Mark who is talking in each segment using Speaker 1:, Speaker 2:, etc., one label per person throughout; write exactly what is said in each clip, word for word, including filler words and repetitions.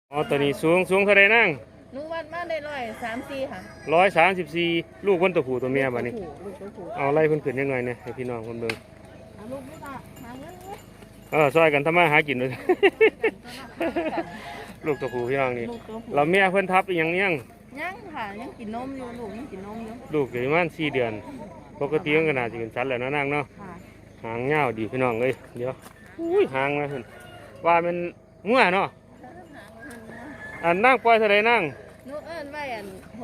Speaker 1: อ๋อตัวนี้สูงสูงเท่าไรนั่ง
Speaker 2: หนูวัดมาได้ร้อยสามสี่ค่ะ
Speaker 1: ร้อยสามสิบสี่ลูกคนตัวผู้ตัวเมียบ้านี้
Speaker 2: ลูกตัวผู้
Speaker 1: เอาไล่เพิ่นขึ้นยังไงเนี่ยให้พี่น้องคนเบิ่ง
Speaker 2: เอาลูกไม่ละหาเงินเลย
Speaker 1: เออซอยกันทำมาหากินเลย ลูกตัวผู้พี่น้องนี่เราเมียเพิ่นทับอีหยังยัง
Speaker 2: ยังค่ะยังกินนมอยู่ลูกยังกินนมอยู่
Speaker 1: ลูกอยู่ประมาณสี่เดือนปกติมันก็น่าจะเป็นสัตว์แหละนะนางเนาะหางเงาดีพี่น้องเลยเดี๋ยวอุ้ยหางนะเพิ่นว่ามันงัวเนาะอันนั่งปล่อยเท่าไรนั่ง
Speaker 2: หนูเอิ้นไว้อันห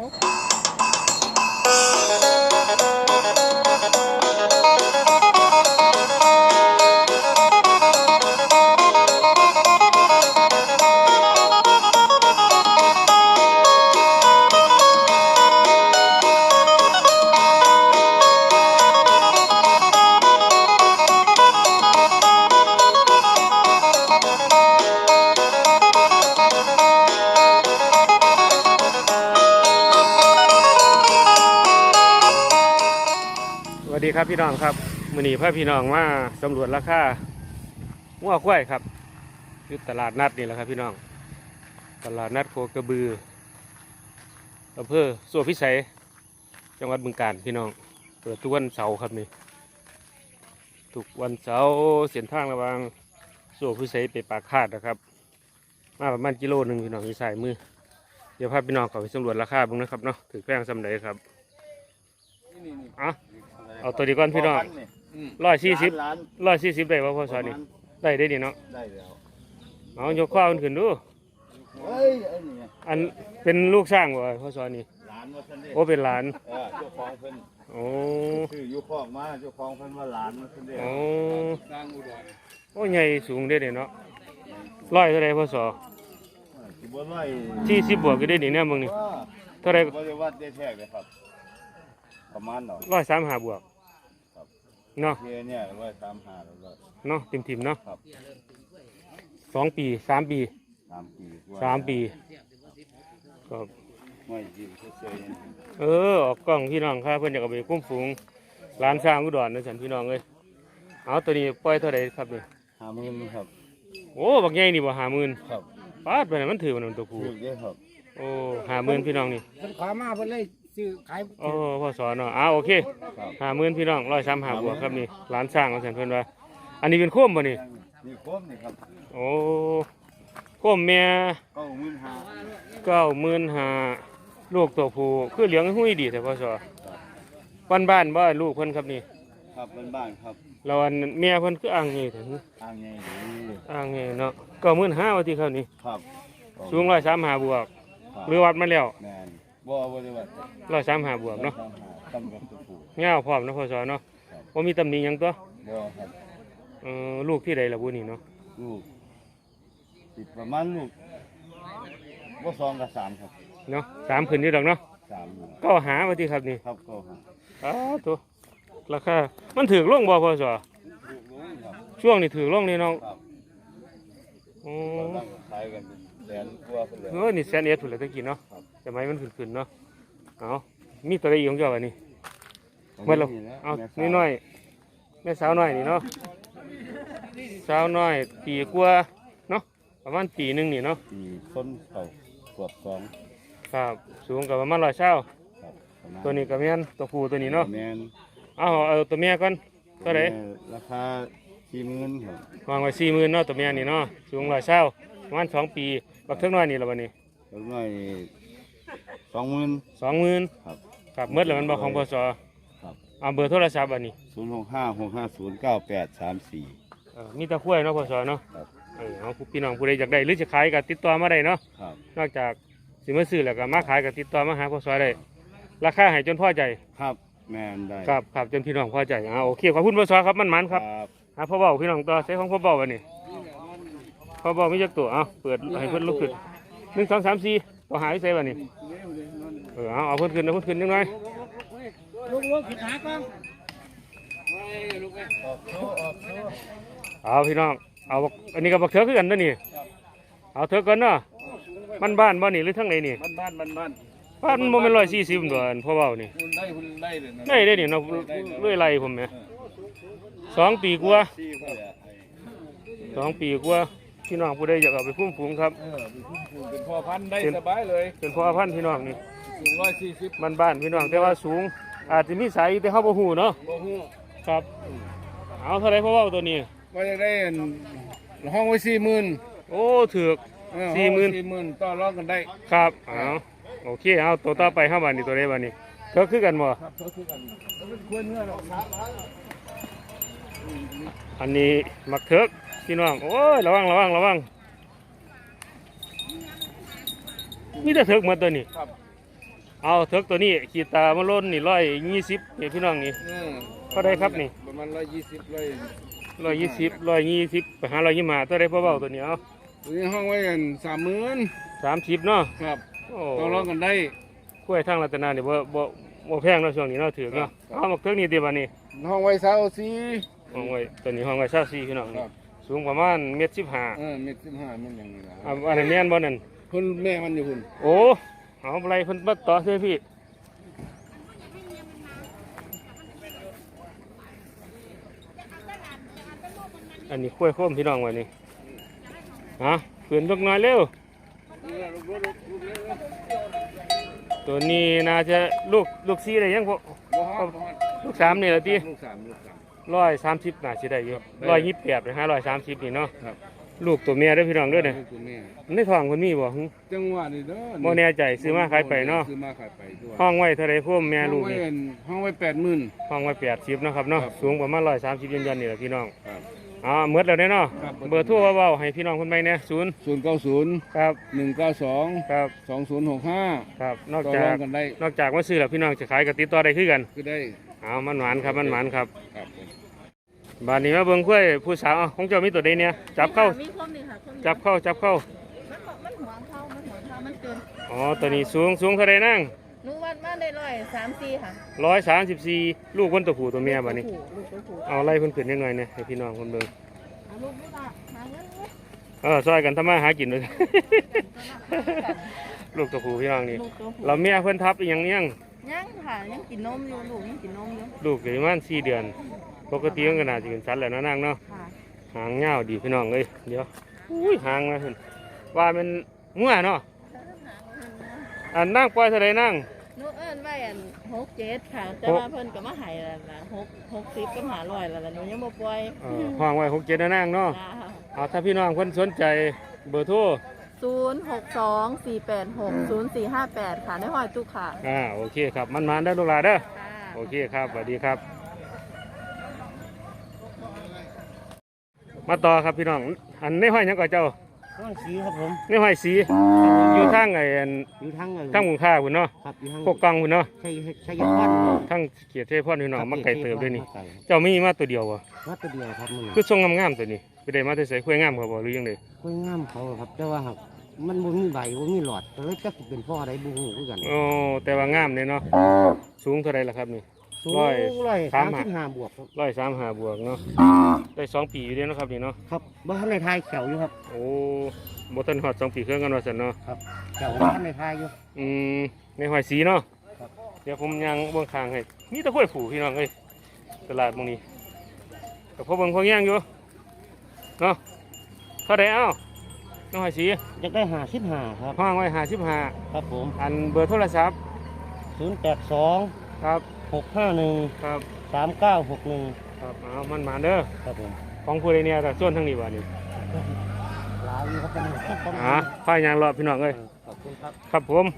Speaker 1: สวัสดีครับพี่น้องครับมื้อนี้พาพี่น้องมาสำรวจราคางัวควายครับอยู่ตลาดนัดนี่แหละครับพี่น้องตลาดนัดโคกระบืออำเภอโซ่พิสัยจังหวัดบึงกาฬพี่น้องเปิดทุกวันเสาร์ครับนี่ทุกวันเสาร์เส้นทางระหว่างโซ่พิสัยไปปากคาดนะครับมาประมาณกิโลหนึ่งพี่น้องมีสายมือเดี๋ยวพาพี่น้องเข้าไปสำรวจราคาบ้างนะครับเนาะถือแป้งสำเร็จครับอ่ะเอาตัวดีก่อนพี่น้องร้อยสี่สิบร้อยสี่สิบได้ป่ะพ่อสอนนี่ได้ได้ดีเนาะได้แล้วเอายกข้าวมันขึ้นดูอันเป็นลูกสร้างบ่พ่อสอนนี่โอ้เป็นหลาน
Speaker 3: เจ้าของเพิ่น
Speaker 1: โอ้
Speaker 3: คืออยู่คอกมาเจ้าของเพิ่นว่าหลานมาเพิ่นเด้อ
Speaker 1: โอ้โอ้ใหญ่สูงได้เนาะร้อยเท่าไรพ่อสอ
Speaker 3: สิบ่ร้อย
Speaker 1: สี่สิบบวกก็ได้ดีเนี่ยมึงนี่เท่าไร
Speaker 3: บ่ได้วัดได้แท้เลยครับประมาณเนาะ
Speaker 1: ร้อยสามห้าบวกเนาะ
Speaker 3: เนี่ยร้อยสามห้าแล้ว
Speaker 1: เนาะติ่มติ่มเนาะสองปีสามปี
Speaker 3: สามปี
Speaker 1: สามปีก็
Speaker 3: ไม่ยิ้มเฉย
Speaker 1: ๆเออออกกล้องพี่น้องครับเพื่อนอยากเอาไปคุ้มฝูงร้านสร้างอุดรนะฉันพี่น้องเลยเอาตัวนี้ปล่อยเท่าไรครับเนี่ย
Speaker 3: ห้าหมื่นครับ
Speaker 1: โอ้บักใหญ่นี่บ่ห้าหมื่น
Speaker 3: ครับ
Speaker 1: ป้าดไปไหนมันถือมันตัวผู้
Speaker 3: ถือเยอะครับ
Speaker 1: โอ้ห้าหมื่นพี่น้องนี่
Speaker 4: มันขวามาเพิ่นเลยซื้อขาย
Speaker 1: โอ้พ่อสอนเนาะอ้าโอเคห้าหมื่นพี่น้องร้อยสามห้าบวกครับนี่ร้านสร้างของฉันเพื่อนว่าอันนี้เป็นโคมบ่นี่
Speaker 3: นี่โคมนี่ครับ
Speaker 1: โอ้โคมแม่
Speaker 3: เก้าหมื่นห้า
Speaker 1: เก้าหมื่นห้าลูกตัวผู้คือเลี้ยงหุ้ยดีแต่พ่อสอบ้านบ้านบ้านลูกเพิ่นครับนี่
Speaker 3: ครับเป็นบ้านครับ
Speaker 1: เราอันเมียเพิ่นคืออ่างนี่ถึง
Speaker 3: อ่างไง
Speaker 1: อ่างนี่เนาะเก้าหมื่นห้าวันที่เขานี่
Speaker 3: ครับ
Speaker 1: สูงร้อยสามห้าบวกหรือวัดมาแล้ว
Speaker 3: แม่นบ่บ่ได้วัด
Speaker 1: ร้อยสามห้าบวกเนาะ
Speaker 3: ตั้งกับตัวผู้
Speaker 1: เงาพร้อมนะพ่อสอเนาะว่ามีตำหนิยังตัว
Speaker 3: บ่ครับ
Speaker 1: เออลูกที่ใดล่ะบุนี่เนาะ
Speaker 3: ลูกติดประมาณลูกบ่สองกับสามครับ
Speaker 1: เนาะสามขึ้นนี่ดอกเนาะ
Speaker 3: สาม
Speaker 1: ก็หาวันที่ครับนี่
Speaker 3: ครับก็หา
Speaker 1: อ้าวตัวราคามันถือล่องบ่พ่อสอช่วงนี้ถือล่องนี่น้อง
Speaker 3: อ๋อขายกันแสนกว่าเพิ่นเลย
Speaker 1: เออนี่แสนเอ็ดถูกเลยตะกี้เนาะแต่ไม้มันขึ้นๆเนาะเอามีตัวใดอีกของเจ้าอันนี้เมื่อเราเอานี่น้อยแม่สาวน้อยนี่เนาะสาวน้อยปีกว่าเนาะประมาณปีหนึ่งนี่เนาะ
Speaker 3: ปีต้นเก่าขวบสอง
Speaker 1: ครับสูงกับประมาณร้อยเช้าตัวนี้กับแม่นตัวผู้ตัวนี้เนาะเอาเอาตัวเมียก่อนตัวไหน
Speaker 3: ราคาสี่หมื่นครับ
Speaker 1: วางไว้สี่หมื่นเนาะตัวเมียนี่เนาะสูงร้อยเช้าประมาณสองปีบักเท่าน้อยนี่ละวันนี้
Speaker 3: เท่าน้อยสองหมื่น
Speaker 1: สองหมื่นครับครับเมื่อไหร่มันบอกของพศ
Speaker 3: ครับ
Speaker 1: เอาเบอร์โทรศัพท์อันนี้
Speaker 3: ศูนย์หกห้าหกห้าศูนย์เก้าแปดสามสี่
Speaker 1: มีตะคุ้ยเนาะพศเนาะเออเอาพี่น้องผู้ใดอยากได้หรือจะขายก็ติดต่อมาได้เนาะนอกจากสิมาซื้อแล้วก็มาขายก็ติดต่อมาหาพศได้ราคาให้จนพอใจ
Speaker 3: ครับแม่นได้
Speaker 1: ครับครับจนพี่น้องพอใจเอาโอเคขอบคุณพศครับมันมันครับหาพ่อเบาพี่น้องต่อใช้ของพ่อเบาวันนี้พ่อเบาไม่จักตัวเอาเปิดให้เพิ่นลุกขึ้นหนึ่งสองสามสี่ต่อหาวิเศษวันนี้เออเอาเอาเพิ่นขึ้นเอาเพิ่นขึ้นยังไง
Speaker 4: ลูกลูกผิดหาก่อน
Speaker 1: เอาพี่น้องเอาอันนี้กับบักเถือคือกันนะนี่เอาเถือกันเนาะบ้านบ้านบ้านนี่หรือทั้งไหนนี่
Speaker 3: บ้านบ้านบ้านบ้าน
Speaker 1: บ้านมันเป็นร้อยสี่สิบตัวพ่อเบานี่
Speaker 3: ได้ได้เลย
Speaker 1: ได้ได้เนี่ยเนาะเรื่อยไรผมเนี่ยสองปีกว่าสองปีกว่าพี่น้องผู้ใดอยากเอาไปคุ้มฝูงครับ
Speaker 5: เป็นพ่อพันธุ์ได้สบายเลย
Speaker 1: เป็นพ่อพันธุ์พี่น้องนี่
Speaker 5: สูงร้อยสี่สิบ
Speaker 1: บ้านบ้านๆพี่น้องแต่ว่าสูง อาจจะมีสายแต่เขาบ่ฮู้เนาะ
Speaker 5: บ่ฮู้
Speaker 1: ครับ เอาเท่าไรพ่อเว้าตัวนี้
Speaker 5: ว่าจะได้อันห้องไว้สี่หมื่น
Speaker 1: โอ้ถือก สี่หมื่น
Speaker 5: สี่หมื่นต่อรองกันได้
Speaker 1: ครับเอาโอเคเอาตัวต่อไปเข้ามานี่ตัวใดบ้านี่ก็คือกันบ่
Speaker 5: ครับเขาคือกันแล้วเป็นควรเนื้อหรอกครับ
Speaker 1: อันนี้มักเถิกพี่น้องโอ้ยระวังระวังระวังมีแต่เถิกหมาตัวนี้
Speaker 5: ครับ
Speaker 1: เอาเถิกตัวนี้ขีดตามาล้นนี่ร้อยยี่สิบนี่พี่น้องนี่
Speaker 5: เออ
Speaker 1: ก็ได้ครับนี่
Speaker 5: ประมาณร้อยยี่สิบร้อย
Speaker 1: ร้อยยี่สิบร้อยยี่สิบไปหาร้อยยี่สิบมาตัวใดพ่อเบาตัวนี้เอา
Speaker 5: ตัวนี้ห้องไว้กันสามหมื่น
Speaker 1: สามสิบเนาะ
Speaker 5: ครับ
Speaker 1: โอ้
Speaker 5: ต่อรองกันได้
Speaker 1: กล้วยทางรัตนาเนี่ยบ่บ่บ่แพงเนาะช่วงนี้เนาะถือกเนาะเอามักเถิกนี่ตีบ้านี่
Speaker 5: ห้องไว้เสาสี่
Speaker 1: ห้องไว้ตัวนี้ห้องไว้ซาซีพี่น้อง
Speaker 5: ค
Speaker 1: นี่
Speaker 5: รับ
Speaker 1: สูงประมาณเมตรสิบห้า
Speaker 5: เออเม็ดสิบห้ามันอย่างนี้นะ
Speaker 1: อ่าอันนี้นแม่นบ่นั่น
Speaker 5: คุณแม่มันอยู่คุณ
Speaker 1: โอ้เอาอะไรเพิ่นมาต่อเสียพี่อันนี้กล้วยโค้มพี่น้องไว้นี่ฮะเพื่อนลูกน้อยเร็วตัวนี้น่าจะลูกลูกซีได้ยังพอ
Speaker 5: บ่ฮอดบ่ฮอด
Speaker 1: ลูกสามนี่ละที
Speaker 5: ลูกสามลูกสาม
Speaker 1: ร้อยสามสิบน่าสิได้อยู่ร้อยยี่สิบแปดนะฮะร้อยสามสิบนี่เนาะ
Speaker 5: ครับ
Speaker 1: ลูกตัวเมียเด้อพี่น้องเด้อเนี่ย
Speaker 5: ลูกตัวแม่
Speaker 1: ในท้องคนมีบ่หึ
Speaker 5: จังหวะนี้เด้อ
Speaker 1: บ่แน่ใจซื้อมาขายไปเนาะ
Speaker 5: ซื้อมาขายไปด้วย
Speaker 1: ห้องไว้เท่าไรพ่อแม่ลูก
Speaker 5: ห้องไว้
Speaker 1: นี่
Speaker 5: อันห้องไว้แปดหมื่น
Speaker 1: ห้องไว้แปดสิบนาะครับเนาะ
Speaker 5: ครับ
Speaker 1: สูงประมาณร้อยสามสิบยันยันๆนี่แหละพี่น้อง
Speaker 5: ครับ
Speaker 1: อ๋อเมื่อแล้วเด้อเนาะ
Speaker 5: ครับ
Speaker 1: เบอร์โทรเบาๆให้พี่น้องคนใหม่เนี่ยศูนย์
Speaker 5: ศูนย์เก้าศูนย์
Speaker 1: ครับ
Speaker 5: หนึ่งเก้าสอง
Speaker 1: ครับ
Speaker 5: สองศูนย์หกห้า
Speaker 1: ครับนอก
Speaker 5: ต่อ
Speaker 1: จาร
Speaker 5: อก งกันได้
Speaker 1: นอกจากว่าซื้อแล้วพี่น้องจะขายกับติดต่อได้คือกัน
Speaker 5: คือได้
Speaker 1: เอามันหวานครับมันหวานครับ
Speaker 5: ครับผม
Speaker 1: บานนี้มาเบิ่งกล้วยผู้สาวเอาของเจ้ามีตัวใดเนี่ยจับเข้า
Speaker 2: มีคมนี่ค่ะคมนี่
Speaker 1: จับเข้าจับเข้า
Speaker 2: มันบอกมันหัวเข้ามันหัวเข้ามันเกิน
Speaker 1: อ๋อตัวนี้สูงสูงเท่าไรนั่ง
Speaker 2: หนูวัดมาได้ร้อยสามสี่ค่ะ
Speaker 1: ร้อยสามสิบสี่ลูกคนตัวผู้ตัวเมียบานนี้
Speaker 2: ลูกลูกตัวผู้
Speaker 1: เอาไล่เพิ่นขึ้นยังไงเนี่ยให้พี่น้องคนเบิ่ง
Speaker 2: เอาลูกไม่ละหาเงินเลย
Speaker 1: เออซอยกันทำมาหากินเลย ลูกตัวผู้พี่น้องนี่
Speaker 2: ลูกตัวผู้
Speaker 1: เราเมียเพิ่นทับอีหยังยัง
Speaker 2: ยังค่ะยังกินนมอยู่ลูกยังกินนมอยู่
Speaker 1: ลูกอยู่ประมาณสี่เดือน ปกติมันก็น่าจะเป็นสัตว์แหละเนาะนางเนาะ
Speaker 2: ค่ะ
Speaker 1: หางเงาวดีพี่น้องเอ้ยเดี๋ยวอุ้ยหางนะเพิ่นว่ามันงัวเนาะอันนั่งปล่อยเท่าไรนั่ง
Speaker 2: หนูเอิ้นไว้อันหกเจ็ดค่ะ แต่
Speaker 1: หก
Speaker 2: ว่าเพิ่นก็มาให้แล้วนะหกหกสิบก็หาร้อยแล้วล่ะหนูยังบ่ปล่อย
Speaker 1: เออห้องไว้หกเจ็ดนะนั่งเนาะ
Speaker 2: จ้า
Speaker 1: เอาถ้าพี่น้องเพิ่นสนใจเบอร์โทร
Speaker 2: ศูนย์หกสองสี่แปดหกศูนย์สี่ห้าแปดค่ะในห้อยตู้ค่ะ
Speaker 1: อ่าโอเคครับมันมาได้อลูกหลานเด้อ
Speaker 2: ค่ะ
Speaker 1: โอเคครับสวัสดีครับ มาต่อครับพี่น้องอันในห้อยหยังก่อนเจ้า
Speaker 4: ต้องสีครับผม
Speaker 1: ในห้อยสีอยู่ทางไอ้อัน
Speaker 4: อยู่ทั้งเลย
Speaker 1: ทางหมู่ค่าพุ่นเนาะ
Speaker 4: ครับอยู่ทั้ง
Speaker 1: พวกกองพุ่นเนาะ
Speaker 4: ใช่ใช่ยันพัน
Speaker 1: ทางเขียดเทพรพี่น้องมาไก่เติบด้วยนี่
Speaker 4: มาไก่
Speaker 1: เจ้ามีมาตัวเดียววะ
Speaker 4: วัดตัวเดียวครับมึง
Speaker 1: คือทรงงามๆตัวนี้ไปได้มาแต่ใส่คุยงามครับบ่หรือยังไง
Speaker 4: คุยงามเขาครับแต่ว่าหากมันบ่มีใบบ่มีหลอดก็เลยจักสิเป็นพ่อใดบ่ฮู้คือกัน
Speaker 1: โอ้แต่ว่างามเลยเนาะสูงเท่าไรล่ะครับนี่
Speaker 4: สูง
Speaker 1: ร้อย
Speaker 4: ร้อย
Speaker 1: สา
Speaker 4: สาม ม
Speaker 1: ห้า
Speaker 4: สิบห้าบวกครับ
Speaker 1: ร้อยสามหาบวกเนาะได้สองปีอยู่เด้เนาะครับนี่เนาะ
Speaker 4: ครับบ่ทันในทายแขวอยู่ครับ
Speaker 1: โอ้บ่ทันฮอดสองปีเครื่องกันว่าซั่นเนาะ
Speaker 4: แขวบ่ทันในทายอยู่
Speaker 1: อืมในหอยสีเนาะ
Speaker 4: ครับ
Speaker 1: เดี๋ยวผมยังเบื้องข้างให้มีแตะกล้วยผูพี่น้องเอ้ยตลาดหมองนี้กับพวกเบิ่งพวกย่างอยู่เนาะเท่าไดเอ้าน้องหอยสี
Speaker 4: อยากได้ห้าสิบห้าครับ
Speaker 1: ห้างไว้ห้าสิบห้า
Speaker 4: ครับผม
Speaker 1: อันเบอร์โทรศัพท์
Speaker 4: ศูนย์แปดสอง
Speaker 1: ครับ
Speaker 4: หกห้าหนึ่ง
Speaker 1: ครับ
Speaker 4: สามเก้าหกหนึ่ง
Speaker 1: ครับเอามันมาเด้อ
Speaker 4: ครับผม
Speaker 1: ของผู้ใดเนี่ยแต่ส่วนทั้งนี้ว่านี่
Speaker 4: ลาวอยู่ครับเป็นครับผม
Speaker 1: อ่าพายางรอพี่น้องเอ้ย
Speaker 4: ขอบคุณครับ
Speaker 1: ครับผม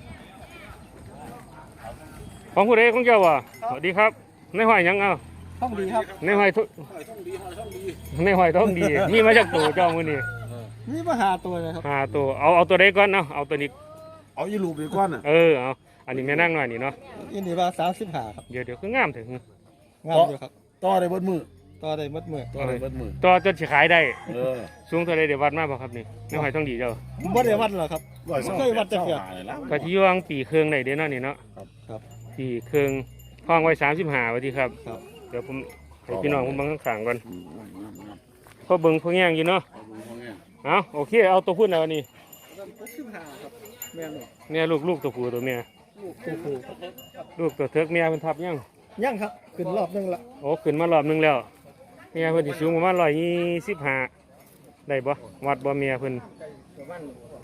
Speaker 1: ของผู้ใดของเจ้าวะสวัสดีครับในหอยหยังเอา
Speaker 4: ต้องดีครับ
Speaker 1: ในหอยทุในหอยท้องดีนี่มาจากตัวเจ้ามือนี่
Speaker 4: นี่มาหาตัวเลยครับ
Speaker 1: หาตัวเอาเอาตัวใดก่อนเนาะเอาตัวนี้
Speaker 3: เอาอีลูกดีกว่าน่ะ
Speaker 1: เออเอาอันนี้แม่นั่งหน่อยนี่เนาะ
Speaker 4: ยินดีว่าสามสิบห้าครับ
Speaker 1: เดี๋ยวเดี๋ยวคืองามถึง
Speaker 4: งามอยู่ครับ
Speaker 3: ต่อได้เบิดมือ
Speaker 4: ต่อได้มัดมือ
Speaker 3: ต่อได้เบิดมือ
Speaker 1: ตัวจนสิขายได้
Speaker 3: เออ
Speaker 1: สูงเท่าไรเดี๋ยววัดมาบ่ครับนี่ในหอยท้องดีเจ้า
Speaker 4: บ่ได้วัดหรอกครับ
Speaker 3: ร้อยสอง
Speaker 4: เคยวัดจักเทื่อ
Speaker 3: หาเลยละ
Speaker 1: ก็ที่ยวงปีเครื่องได้เด้อเนาะนี่เนาะ
Speaker 3: ครับ
Speaker 4: ครับ
Speaker 1: ปีเครื่องห้องไว้สามสิบห้าวันที่ครับ
Speaker 4: ครับ
Speaker 1: เดี๋ยวผมให้พี่น้องผมเบังข้างๆก่อน
Speaker 3: อืมงามงามงาม
Speaker 1: พอเบิ่งพอแง่งอยู่เนาะ
Speaker 3: เอาดูเขาเนี่ย
Speaker 1: เอาโอเคเอาตัวพุ่นแล้วนี่
Speaker 4: สิบห้าครับแม่น
Speaker 1: เนี่ยลูกลูกตัวผู้ตัวเมีย
Speaker 4: ลูกคู่
Speaker 1: ลูกตัวเทิกเมียเป็นทับยัง
Speaker 4: ยังครับขึ้นรอบนึงละ
Speaker 1: โอ้ขึ้นมารอบหนึงแล้วเมียเพิ่นสิสูงประมาณร้อยยี่สิบห้าได้บ่วัดบ่เมียเพิ่น
Speaker 4: ประมาณ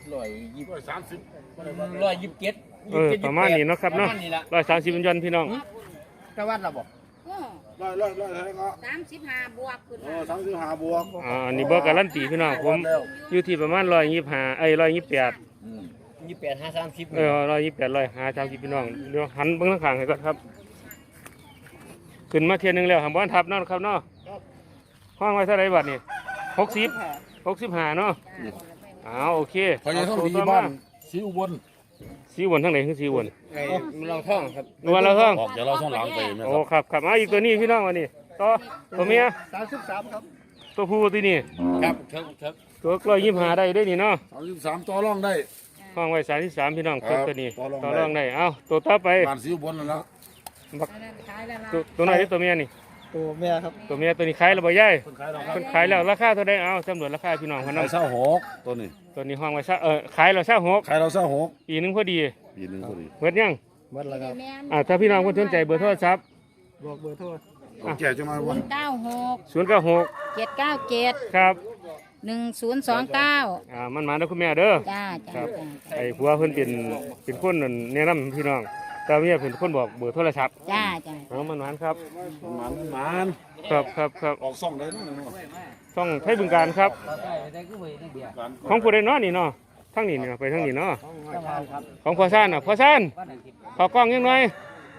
Speaker 6: ร้อยยี่สิบสามสิบร้อยยี่สิบเจ็ด
Speaker 1: เออประมาณนี้เนาะครับเนาะร้อยสามสิบยันพี่น้อง
Speaker 6: ตะวันเราบอก
Speaker 3: ร้อยร้อยร้อยเท่าไหร่ก็
Speaker 7: สามสิบห้าบวกขึ้น
Speaker 3: เอ
Speaker 7: มา
Speaker 3: อสามสิบห้าบวก
Speaker 1: อ่าอันนี้บอกการันตีพี่น้องผมอยู่ที่ประมาณร้อยยี่สิบห้าเอ้ยร้อยยี่สิบแปด
Speaker 6: ยี่สิบแปดห้าสามสิบ
Speaker 1: เออร้อยยี่สิบแปดร้อยห้าสามสิบพี่น้องเดี๋ยวหันเบื้องข้างให้ก่อนครับขึ้นมาเทียนหนึ่งแล้วหำบ้านทับเนาะครับเนาะห้องไว้เท่าไรบัดนี่หกสิบหกสิบห้าเนาะอ้าวโอเค
Speaker 8: พอยังต้องดีบ้านสีอุบล
Speaker 1: สีวนทั้งไหนคือสีวน
Speaker 6: ไอ้เราท่องครับ
Speaker 1: นวลแล้วท่อง
Speaker 8: ออกจากเราช่องหลังไปไหม
Speaker 1: โอ้
Speaker 8: ครับ
Speaker 1: ครับครับเอาอีกตัวนี้พี่น้องวันนี้ต่อตัวเมีย
Speaker 3: สามสิบสามครับ
Speaker 1: ตัวผู้ตัวนี้
Speaker 6: ครับครับครับ
Speaker 1: ตัวร้อยยี่สิบห้าได้ได้นี่เนาะ
Speaker 8: สามสิบสามต่อรองได้
Speaker 1: ห้องไว้สามที่สามพี่น้อง
Speaker 8: ครับ
Speaker 1: ตัวนี้
Speaker 8: ต่อรอง
Speaker 1: ต่อ
Speaker 8: ได้
Speaker 1: รองได้เอาตัวต่อไป
Speaker 8: บ้านสีอุบลนั่นแหละ
Speaker 1: บัก
Speaker 7: ขายแล้วล่ะ
Speaker 1: ตัวตัวไหนที่ตัวเมียนี่
Speaker 3: ตัวแม่ครับ
Speaker 1: ตัวเมียตัวนี้ขายแล้วบ่ย่าย
Speaker 8: คนขายเราครับ
Speaker 1: คนขายแล้วราคาเท่าไดเอาสำรวจราคาพี่น้องเขา
Speaker 8: ขา
Speaker 1: เนาะ
Speaker 8: ยเศร้าหกตัวนี้
Speaker 1: ตัวนี้ห้องไว้ซะเออขายแล้วซะหก
Speaker 8: ขายเราเศร้าหก
Speaker 1: ปีหนึงพอดี
Speaker 8: ปีหนึงพอดี
Speaker 1: เบิดยัง
Speaker 3: หมดแล้วครับ
Speaker 7: แม่น
Speaker 1: อ่าถ้าพี่น้องคนสนใจเบอร์โทรศัพท์
Speaker 3: บอกเบอร์โทร
Speaker 8: เอาแก่จะมา
Speaker 7: ศู
Speaker 8: วัน
Speaker 7: นย์เก้าหก
Speaker 1: ศูนย์เก้าหก
Speaker 7: เจ็ดเก้าเจ็ด
Speaker 1: ครับ
Speaker 7: หนึ่งศูนย์สองเก้า
Speaker 1: อ่ามันมาแล้วคุณแม่เด้อ
Speaker 7: จ้า
Speaker 1: ครั
Speaker 7: จ้า
Speaker 1: บ
Speaker 7: จ้า
Speaker 1: ไอ้ผัวเพิ่นเป็นเป็นคนนั่นแนะนำพี่น้องแต่เมียเพิ่นคนบอกเบอร์โทรศัพท์
Speaker 7: จ้าจ้า
Speaker 1: เอามันหวานครับ
Speaker 8: หมันหมัน
Speaker 1: ครับครับครับ
Speaker 8: ออกซ่องได้นู่นนู่น
Speaker 1: ต้องใช้บึงการครับ
Speaker 6: ได้ก็ไปได้เดียว
Speaker 8: การ
Speaker 1: ของผู้ใดเนาะนี่เนาะทั้งนี้เนี่ยไปทั้งนี้เนาะของพ่อซ่านน่ะพ่อซ่านขอกล้องยังหน่อย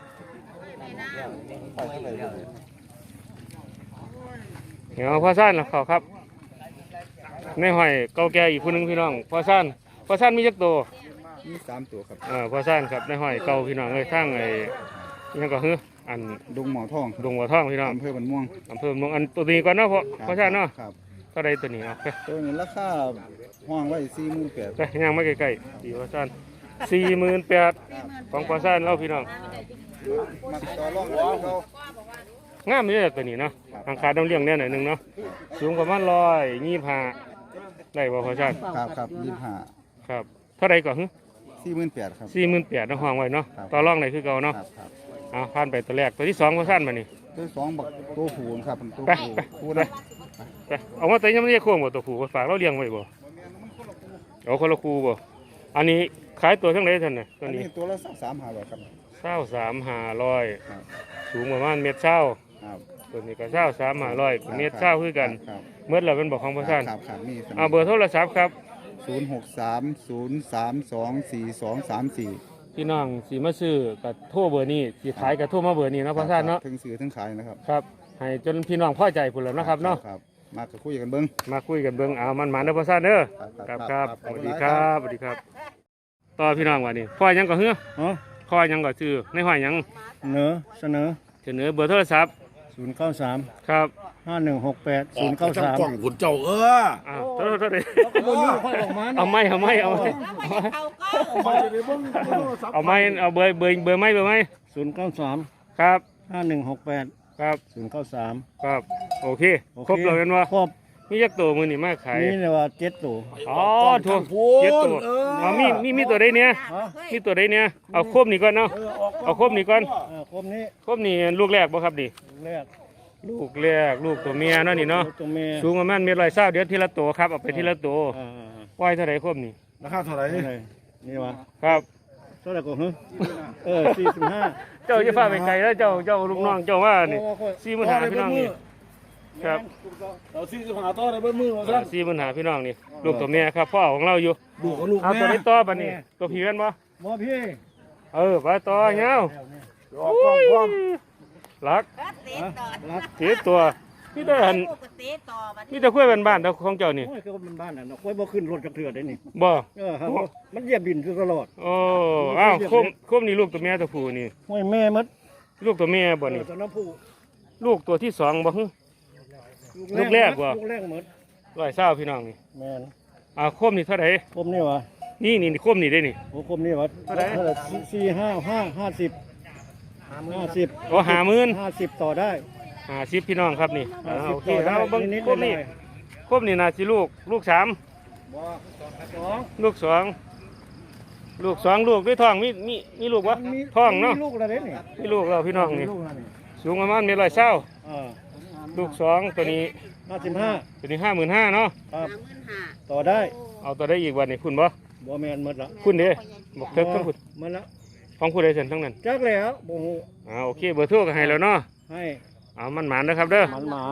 Speaker 1: เดี๋ยวพ่อซ่านล่ะขอครับ ในห้อยเก่าแก่อีกคนนึงพี่น้องพ่อซ่านพ่อซ่านมีจักตัว
Speaker 3: มีสามตัวครับ
Speaker 1: เออพ่อซ่านครับในห้อยเก่าพี่น้องเลยทั้งไอ้ยังก็คืออัน
Speaker 3: ดงหมอทอง
Speaker 1: ดงหัวท่องพี่น้อง
Speaker 3: อำเภอบันม่วง
Speaker 1: อำเภอเมืองอันตัวนี้ก่อนเนาะพ่อพ่อซ่านเนาะ
Speaker 3: ครับ
Speaker 1: เท่าไรตัวนี้เอาไป
Speaker 3: ตัวนี้ราคาห้องไว้สี่หมื่นแปด
Speaker 1: ไปย่างมาใกล้ๆดีพ่อซ่านสี่หมื่นแปดของพ่อซ่านเล่าพี่น้อง
Speaker 3: มาต่อรองกับเขา
Speaker 1: งามเลยตัวนี้เนาะทางขาต้องเลี้ยงแน่หน่อยหนึงเนาะสูงประมาณร้อยยี่ห้าได้บ่พ่อซ่าน
Speaker 3: ครับครับยี่ห้า
Speaker 1: ครับเท่าไรก่อน
Speaker 3: สี่หมื่นแปดครับ
Speaker 1: สี่หมื่นแปดน้องห้องไว้เนาะ
Speaker 3: ครับ
Speaker 1: ต่อรองไหนคือเก่าเนาะ
Speaker 3: ครับครับ
Speaker 1: เอาผ่านไปตัวแรกตัวที่สองพ่อซ่านมานี่
Speaker 3: ตัวสองบักตัวผูนครับเป็นตัว
Speaker 1: ไป
Speaker 3: ผู
Speaker 1: ไป
Speaker 3: ผู
Speaker 1: ไป
Speaker 3: นะ
Speaker 1: ไปเอามาแต่ยังไม่ได้โค้งบ่ตัวผู้ฝากเราเลี้ยงไว้บ่เอาคนละคู่บ่อันนี้ขายตัวเท่าไหร่ท่านน่ะตัว
Speaker 3: อัน
Speaker 1: นี้
Speaker 3: นี้ตัวละสักสามห้าร้อยครับ
Speaker 1: เศร้าสามห้าร้อย
Speaker 3: ครับ
Speaker 1: สูงประมาณเมตรเศร้า
Speaker 3: ครับ
Speaker 1: ตัวนี้ก็เศร้าสามห้าร้อยเมตรเศร้าคือกัน
Speaker 3: ครับ
Speaker 1: เมื่อเราเป็นบอกของพ่อซ่าน
Speaker 3: ครับครับมี
Speaker 1: เอาเบอร์โทรศัพท์ครับ
Speaker 3: ศูนย์หกสามศูนย์สามสองสี่สองสามสี่
Speaker 1: พี่น้องสีมาซื้อกับโทรเบอร์นี้สีขายกับโทรมาเบอร์นี้เนาะพ่อซ่านเนาะ
Speaker 3: ถึงซื้อถึงขายนะครับ
Speaker 1: ครับให้จนพี่น้องพอใจพุ่นแล้วนะครับเนาะ
Speaker 3: ครับมาคุยกันเบิ้ง
Speaker 1: มาคุยกันเบิ่งเอามันมาเด้อพ่อซ่านเด้อ
Speaker 3: ครับ
Speaker 1: ครับครับ
Speaker 3: ครับ
Speaker 1: สวัสดีครับสวัสดีครับต่อพี่น้องวันนี้พ่อยังก็เฮือ
Speaker 3: อ๋อ
Speaker 1: พ่อยังก็ซื้อในห้อยยัง
Speaker 3: เสนอเสนอ
Speaker 1: เสนอเบอร์โทรศัพท์
Speaker 3: ศูนย์เก้าสาม
Speaker 1: ครับ
Speaker 3: ห้าหนึ่งหกแปด
Speaker 8: อ
Speaker 3: ศู
Speaker 8: อน ก
Speaker 3: ย์เก้า
Speaker 8: จาก
Speaker 3: สาม
Speaker 8: กล่องขุนเจ้าเออ
Speaker 1: อ้าวโทษโทษเลย
Speaker 3: ค่อยออกมา
Speaker 1: เอาไม้เอาไม้เอาไม้
Speaker 3: ไปเดี๋ยวเบิ้ง
Speaker 1: เอาไม้เอาเบอร์เบอร์เบอร์ไม้เบอร์ไม้
Speaker 3: ศูนย์เก้าสาม
Speaker 1: ครับ
Speaker 3: ห้าหนึ่งหกแปด
Speaker 1: ครับ
Speaker 3: ศูนย์เก้าสาม
Speaker 1: ครับโอเคครบเลยกันวะ
Speaker 3: ครบ
Speaker 1: มียักษ์ตัวมือนี่มาขาย
Speaker 3: นี่เลยว่าเจ็ดตัว
Speaker 1: อ๋อถูกเจ็ดตัวเอามีมีมีตัวใดเนี่ยมีตัวใดเนี่ยเอาครบนี่ก่อนเนาะเอาครบนี่ก่อน
Speaker 3: อ่าครบนี้
Speaker 1: ครบนี่ลูกแรกบ่ครับดิ
Speaker 3: แรก
Speaker 1: ลูกแรกลูกตัวเมียเนาะนี่เนาะ
Speaker 3: ตัวเมีย
Speaker 1: สูงประมาณเมตรร้อยเศร้าเดี๋ยวทีละตัวครับเอาไปทีละตัว
Speaker 3: อ่า
Speaker 1: ปล่อยเท่าไหร่ครบนี่
Speaker 8: ราคาเท่าไหร่
Speaker 3: ๆนี่เลยนี่วะ
Speaker 1: ครับ
Speaker 3: เท่าไหร่กูฮึเออสี่สิบห้า
Speaker 1: เจ้าจะฟ้าไปไกลแล้วเจ้าเจ้าลูกน้องเจ้าว่านี่สี่หมื่นหาพี่น้องนี่ครับ
Speaker 8: เราซื้อจะหาต่อในเบิ้ลมือมาครับ
Speaker 1: สี่หมื่นหาพี่น้องนี่ลูกตัวเมียครับพ่อของเราอยู่
Speaker 8: ดูกับลูก
Speaker 1: เอา
Speaker 8: แม่
Speaker 1: ตัวนี้ต่อบัดนี้ตัวผีกันบ่
Speaker 3: บ่พี่
Speaker 1: เออไปต่อเงี้ย
Speaker 8: ออกกล้องความ
Speaker 1: รัก
Speaker 7: ก็เตะต่อ
Speaker 3: รัก
Speaker 1: เสียตัวมีแต่หัน
Speaker 7: ก็เตะต่อบัด
Speaker 1: มีแต่คุยบ้านๆแต่ของเจ้านี่
Speaker 3: โอ้ยคือมันบ้านน่ะเนาะค่อยบ่ขึ้นรถจักเทื่อได้นี่
Speaker 1: บ่
Speaker 3: เออครับมันเหยียบดินคือตลอด
Speaker 1: โอ้อ้าวคมคมนี่ลูกตัวเมียตัวผู้นี่
Speaker 3: ห้วยแม่มด
Speaker 1: ลูกตัวเมียบ่
Speaker 3: เอ
Speaker 1: นี่
Speaker 3: อตอนน้ำผู้
Speaker 1: ลูกตัวที่สองบ่ฮึ ลูกแรกว่ะ
Speaker 3: ลูกแรกหมด
Speaker 1: ร้อยเศร้าพี่น้องนี่
Speaker 3: แม่น
Speaker 1: อ่าคมนี่เท่าไหร่
Speaker 3: คมนี่วะ
Speaker 1: นี่นี่คมนี่ได้นี่
Speaker 3: โอ้คมนี่วะ
Speaker 1: เท่าไหร่
Speaker 3: เท่าไหร่สี่ห้าห้าห้าสิบห้าสิบ
Speaker 1: โอ้ห้าหมื่น
Speaker 3: ห้าสิบต่อได้
Speaker 1: ห้าสิบพี่น้องครับนี่อ่า
Speaker 3: ห้าสิบ
Speaker 1: โอเค
Speaker 3: ต่อได้
Speaker 1: เอาเบิ่ง
Speaker 3: นิดๆ
Speaker 1: คมนี่
Speaker 3: หน่อย
Speaker 1: คมนี่น่าสิลูกลูกสาม
Speaker 3: ๆบ่สอง
Speaker 1: ลูกสองลูกสองลูกด้วยท้องมีมีมีลูกวะ
Speaker 3: มี
Speaker 1: ท้องเนาะ
Speaker 3: มีลูกอะไรเด้นี่
Speaker 1: มีลูกเราพี่น้อง
Speaker 3: มี
Speaker 1: นี่
Speaker 3: ลูกอะไรนี่
Speaker 1: สูงประมาณเมตรร้อยเศร้า
Speaker 3: เออ
Speaker 1: ลูกสองตัวนี้
Speaker 3: ห้าสิบห้า
Speaker 1: ตัวนี้ห้าหมื่นห้าเนาะ
Speaker 3: ครับ
Speaker 7: หมื่นห้า
Speaker 3: ต่อได้
Speaker 1: เอาตัวได้อีกวันนี้คุณบ่
Speaker 4: บ่แมนหมดละ
Speaker 1: คุณเด้บอกเถิกทั้งคุณ
Speaker 4: มันละ
Speaker 1: ของผู้ใดเสร็จทั้งนั้น
Speaker 4: จักแล้วบ่ฮู้
Speaker 1: อ่าโอเคเบอร์โทรก็ให้แล้วเนาะ
Speaker 4: ให้
Speaker 1: เอามันหมานนะครับเด้อ
Speaker 4: มันหมาน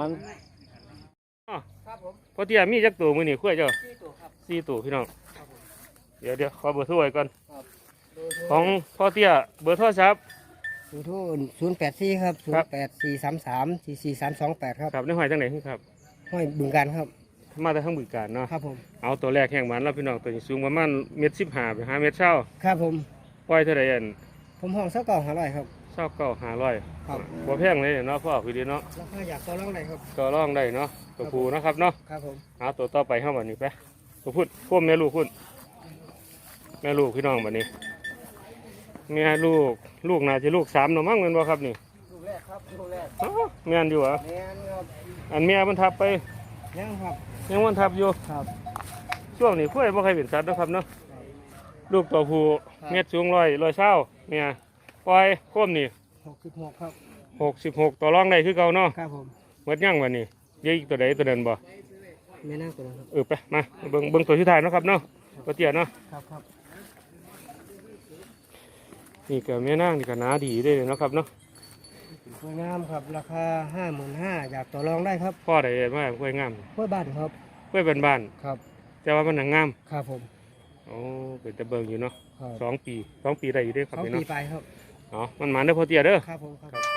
Speaker 1: พอเตี้ยมีจักตัวมือนี่คุยเจ้าสี่ตัวพี่น้องเดี๋ยวเดี๋ยวขอเบอร์โทรไว้ก่อนของพ่อเตี้ยเบอร์โทรศัพท์
Speaker 4: ศูนย์โทรศูนย์แปดสี่ครับศู
Speaker 1: ครั
Speaker 4: น
Speaker 1: บ
Speaker 4: ย์แปดสี่สามสามสี่สี่สามสองแปดครับ
Speaker 1: ครับในหอยจังไหนครับ
Speaker 4: ห้อยบึงการครับ
Speaker 1: มาแต่ทั้งบึงการเนาะ
Speaker 4: ครับผม
Speaker 1: เอาตัวแรกแห่งหมันแล้วพี่น้องตัวนี้สูงประมาณเมตรสิบห้าไปห้าเมตรเช้า
Speaker 4: ครับผม
Speaker 1: ปล่อยเท่าไหร่อัน
Speaker 4: ผมห้องสักเก่าหาร้อยครับ
Speaker 1: เช้าเก้าห้าร้อย
Speaker 4: ครับ
Speaker 1: บ่แพงเลยเนาะพ่อพี่ดีเนาะ
Speaker 4: ราคาอยากต่อรองได้ครับ
Speaker 1: ก็ร้องได้เนาะตัวผูนะครับเนาะ
Speaker 4: ครับผม
Speaker 1: เอาตัวต่อไปเข้ามานี่ไปตัวพูดพ่วแม่ลูกคุณแม่ลูกพี่น้องบัดนี้แม่ลูกลูกน่าจะลูกสามเนาะมั้งแม่นบ่ครับนี่
Speaker 4: ลูกแรกครับลูกแรก
Speaker 1: อ้าวแม่นอยู่เหรอ
Speaker 4: แม่นครับ
Speaker 1: อันแม่มันทับไป
Speaker 4: ยังครับ
Speaker 1: ยังมันทับอยู่
Speaker 4: ครับ
Speaker 1: ช่วงนี้ค่อยบ่ใครเป็นสัตว์นะครับเนาะลูกตัวผู้เม็ดสูงร้อยร้อยเช้าเนี่ยปล่อยโคมนี่
Speaker 4: หกสิบหกครับ
Speaker 1: หกสิบหกต่อรองได้คือเก่าเนาะ
Speaker 4: ครับผม
Speaker 1: หมดยังวันนี้เดี๋ยวอีกตัวใดตัวเดินบ่
Speaker 4: แม่น่าตัวนั้นครับ
Speaker 1: เออไปมาเบิ่งเบิ่งตัวที่ถ่ายเนาะครับเนาะตัวเตี้ยเนาะ
Speaker 4: ครับครับ
Speaker 1: นี่ก็แม่นางนี่ก็หนาดีเด้เนาะครับเนาะ
Speaker 4: สวยงามครับราคาห้าหมื่นห้าอยากต่อรองได้ครับ
Speaker 1: พ่อได้มาค่อยงาม
Speaker 4: ห้วยบ้านครับ
Speaker 1: ค่อยเป็นบ้าน
Speaker 4: ครับ
Speaker 1: แต่ว่ามันหนังงาม
Speaker 4: ครับผม
Speaker 1: โอ้เป็นตะเบิงอยู่เนาะ
Speaker 4: ครับ
Speaker 1: สองปีสองปีได้อยู่เด้อครับ
Speaker 4: สอง
Speaker 1: พี่
Speaker 4: ปี
Speaker 1: เนาะ
Speaker 4: ไปครับ
Speaker 1: อ๋อมันหมานเด้อพ่อเตี้ยเด้อ
Speaker 4: ครับผมครับ